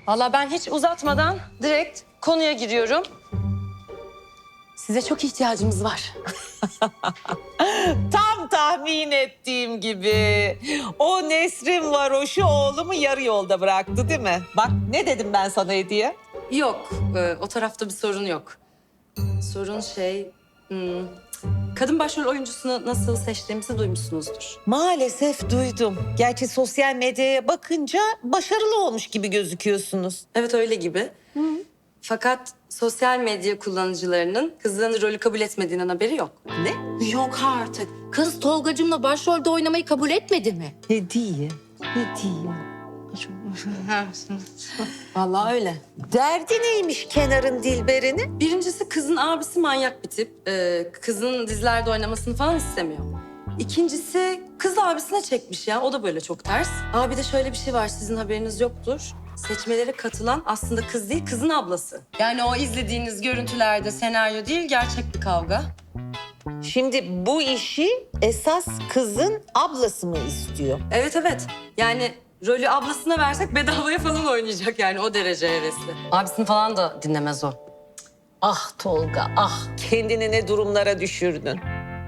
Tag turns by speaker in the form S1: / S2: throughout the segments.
S1: Vallahi ben hiç uzatmadan direkt konuya giriyorum. Size çok ihtiyacımız var.
S2: Tam tahmin ettiğim gibi. O Nesrin varoşu oğlumu yarı yolda bıraktı değil mi? Bak ne dedim ben sana Hediye?
S1: Yok, o tarafta bir sorun yok. Sorun kadın başrol oyuncusunu nasıl seçtiğimizi duymuşsunuzdur.
S2: Maalesef duydum. Gerçi sosyal medyaya bakınca başarılı olmuş gibi gözüküyorsunuz.
S1: Evet öyle gibi. Fakat sosyal medya kullanıcılarının kızın rolü kabul etmediğinden haberi yok.
S2: Ne?
S3: Yok artık. Kız Tolgacığımla başrolde oynamayı kabul etmedi mi?
S2: Hediye. Hediye.
S1: Vallahi öyle.
S2: Derdi neymiş Kenar'ın Dilber'ini?
S1: Birincisi kızın abisi manyak bir tip. Kızın dizilerde oynamasını falan istemiyor. İkincisi kız abisine çekmiş ya. O da böyle çok ters. Abi de şöyle bir şey var, sizin haberiniz yoktur. Seçmelere katılan aslında kız değil, kızın ablası. Yani o izlediğiniz görüntülerde senaryo değil, gerçek bir kavga.
S2: Şimdi bu işi esas kızın ablası mı istiyor?
S1: Evet evet. Yani rolü ablasına versek bedavaya falan oynayacak yani, o derece hevesli. Abisini falan da dinlemez o.
S2: Ah Tolga, ah kendini ne durumlara düşürdün.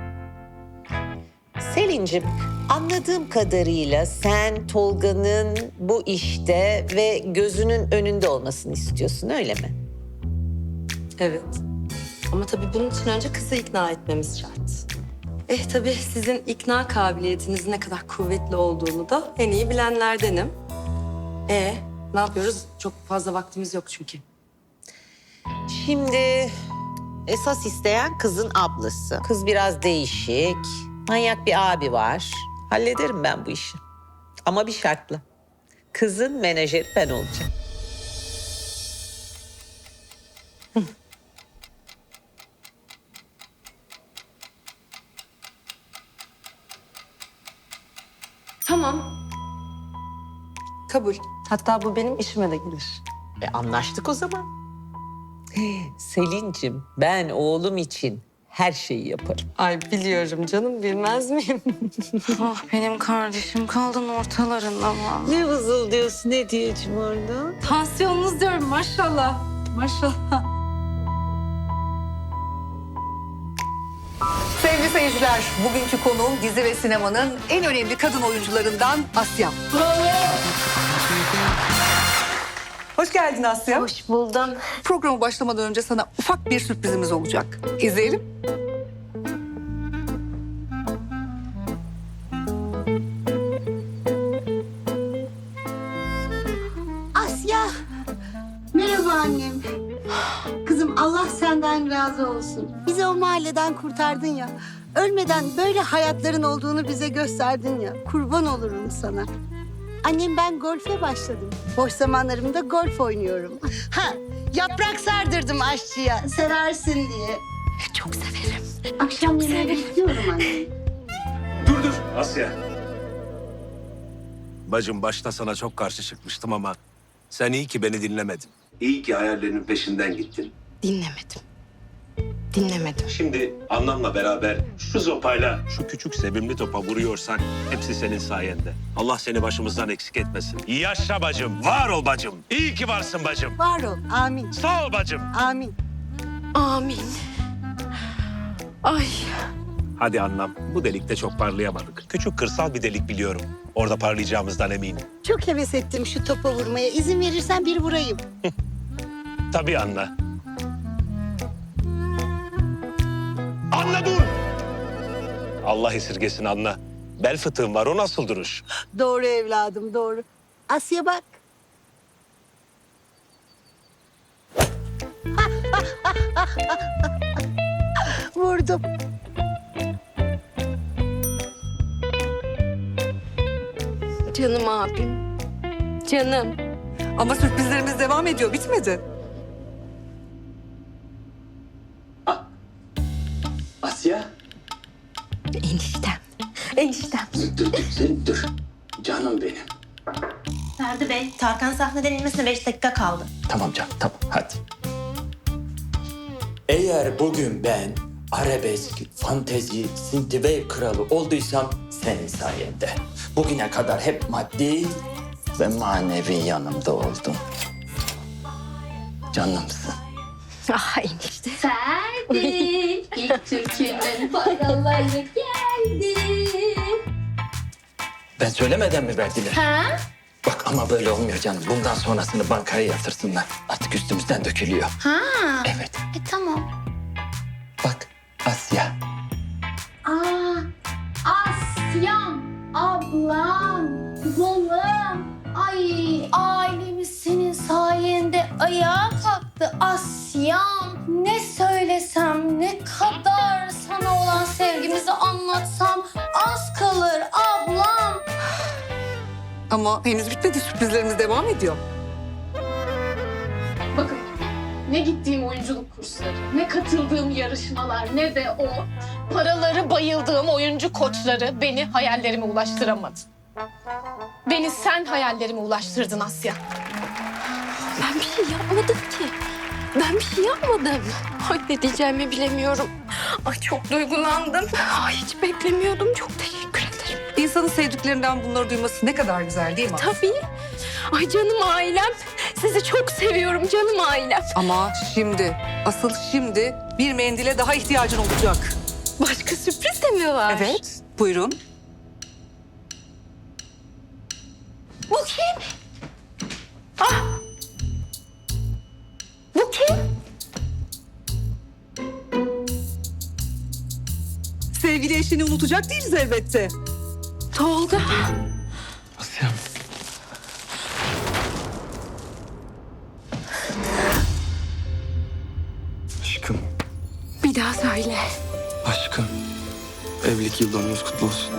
S2: Selin'cim, anladığım kadarıyla sen Tolga'nın bu işte ve gözünün önünde olmasını istiyorsun, öyle mi?
S1: Evet. Ama tabii bunun için önce kızı ikna etmemiz şart. Tabii sizin ikna kabiliyetinizin ne kadar kuvvetli olduğunu da en iyi bilenlerdenim. Ne yapıyoruz? Çok fazla vaktimiz yok çünkü.
S2: Şimdi esas isteyen kızın ablası. Kız biraz değişik, manyak bir abi var. Hallederim ben bu işi. Ama bir şartla. Kızın menajeri ben olacağım.
S1: Tamam. Kabul. Hatta bu benim işime de gelir.
S2: Anlaştık o zaman. Selin'cim, ben oğlum için her şeyi yaparım.
S1: Ay biliyorum canım, bilmez miyim?
S3: Ah benim kardeşim kaldın ortalarında mı?
S2: Ne vızıldıyorsun Hediyeciğim orada?
S3: Tansiyonunuz diyorum maşallah. Maşallah.
S4: Sevgili seyirciler, bugünkü konuğum dizi ve sinemanın en önemli kadın oyuncularından Asya. Hoş geldin Asya.
S3: Hoş buldum.
S4: Programa başlamadan önce sana ufak bir sürprizimiz olacak. İzleyelim.
S5: Asya. Merhaba annem. Kızım Allah senden razı olsun. Bizi o mahalleden kurtardın ya. Ölmeden böyle hayatların olduğunu bize gösterdin ya. Kurban olurum sana. Annem ben golfe başladım. Boş zamanlarımda golf oynuyorum. Ha, yaprak sardırdım aşçıya. Seversin diye.
S4: Çok severim.
S5: Akşam yemeği bekliyorum annem.
S6: Dur Asya. Bacım başta sana çok karşı çıkmıştım ama sen iyi ki beni dinlemedin. İyi ki hayallerinin peşinden gittin.
S3: Dinlemedim.
S6: Şimdi annemle beraber şu zopayla şu küçük sevimli topa vuruyorsak hepsi senin sayende. Allah seni başımızdan eksik etmesin. Yaşa bacım, var ol bacım. İyi ki varsın bacım.
S5: Var ol. Amin.
S6: Sağ ol bacım.
S5: Amin.
S3: Amin. Ay.
S6: Hadi annem, bu delikte çok parlayamadık. Küçük kırsal bir delik biliyorum. Orada parlayacağımızdan eminim.
S5: Çok heves ettim şu topa vurmaya. İzin verirsen bir vurayım.
S6: Tabii anne. Anne dur! Allah esirgesin anne. Bel fıtığım var, o nasıl duruş?
S5: Doğru evladım, doğru. Asya bak. Vurdum.
S3: Canım abim. Canım.
S4: Ama sürprizlerimiz devam ediyor, bitmedi.
S7: Asya,
S3: Eniştem. Eniştem.
S7: dur sen dur. Canım benim.
S8: Ferdi Bey, Tarkan sahneden inmesine 5 dakika kaldı.
S7: Tamam canım, tamam hadi. Eğer bugün ben arabesk, fantezi, synthwave kralı olduysam senin sayende. Bugüne kadar hep maddi ve manevi yanımda oldun. Canımsın.
S3: Ah enişte.
S9: Ferdi, ilk türkünün paraları geldi.
S7: Ben söylemeden mi verdiler?
S9: Ha?
S7: Bak ama böyle olmuyor canım. Bundan sonrasını bankaya yatırsınlar. Artık üstümüzden dökülüyor.
S9: Ha?
S7: Evet.
S9: Tamam.
S7: Bak Asya.
S9: Aa, Asyam, ablam, balım. Ay, ailemiz senin sayende ayağa kalktı Asyam. Ne söylesem, ne kadar sana olan sevgimizi anlatsam az kalır ablam.
S4: Ama henüz bitmedi, sürprizlerimiz devam ediyor.
S10: Bakın ne gittiğim oyunculuk kursları, ne katıldığım yarışmalar, ne de o paraları bayıldığım oyuncu koçları beni hayallerime ulaştıramadı. Beni sen hayallerime ulaştırdın Asya.
S3: Ben bir şey yapmadım ki. Ben bir şey yapmadım. Ay ne diyeceğimi bilemiyorum. Ay çok duygulandım. Ay hiç beklemiyordum. Çok teşekkür ederim.
S4: İnsanın sevdiklerinden bunları duyması ne kadar güzel değil mi?
S3: Tabii. Ay canım ailem. Sizi çok seviyorum canım ailem.
S4: Ama şimdi, asıl şimdi bir mendile daha ihtiyacın olacak.
S3: Başka sürpriz de mi var?
S4: Evet, buyurun.
S3: Bu kim? Ah! Bu kim?
S4: Sevgili eşini unutacak değiliz elbette.
S3: Tolga.
S7: Asya. Aşkım,
S3: Bir daha söyle.
S7: aşkım. Evlilik yıl dönümümüz kutlu olsun.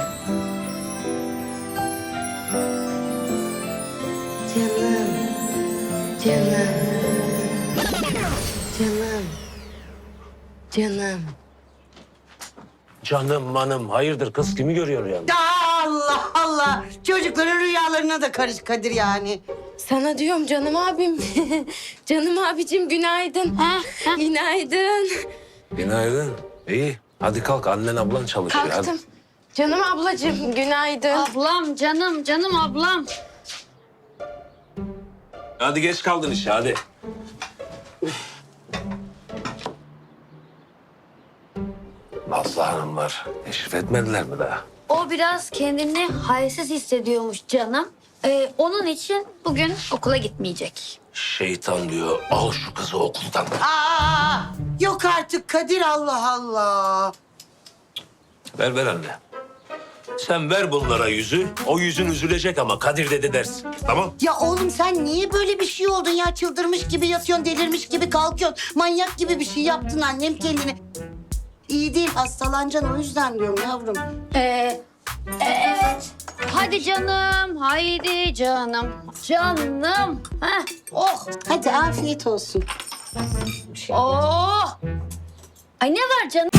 S3: Canım.
S6: Canım manım hayırdır kız kimi görüyor yani?
S5: Allah Allah. Çocukların rüyalarına da karış Kadir yani.
S3: Sana diyorum canım abim. Canım abicim günaydın. Günaydın.
S6: Günaydın. İyi. Hadi kalk annen ablan çalışıyor.
S3: Kalktım. Canım ablacığım günaydın.
S9: Ablam, canım ablam.
S6: Hadi geç kaldın işe hadi. Nazlı Hanımlar teşrif etmediler mi daha?
S9: O biraz kendini halsiz hissediyormuş canım. Onun için bugün okula gitmeyecek.
S6: Şeytan diyor al şu kızı okuldan.
S5: Aa, yok artık Kadir, Allah Allah.
S6: Ver anne. Sen ver bunlara yüzü. O yüzün üzülecek ama Kadir dedi dersin. Tamam?
S5: Ya oğlum sen niye böyle bir şey oldun ya? Çıldırmış gibi yatıyorsun, delirmiş gibi kalkıyorsun. Manyak gibi bir şey yaptın annem kendini. İyi değil, hastalanacaksın, o yüzden diyorum yavrum.
S9: Evet. Hadi canım, haydi canım. Canım. Heh, oh.
S5: Hadi afiyet olsun.
S9: Oh. Ay ne var canım?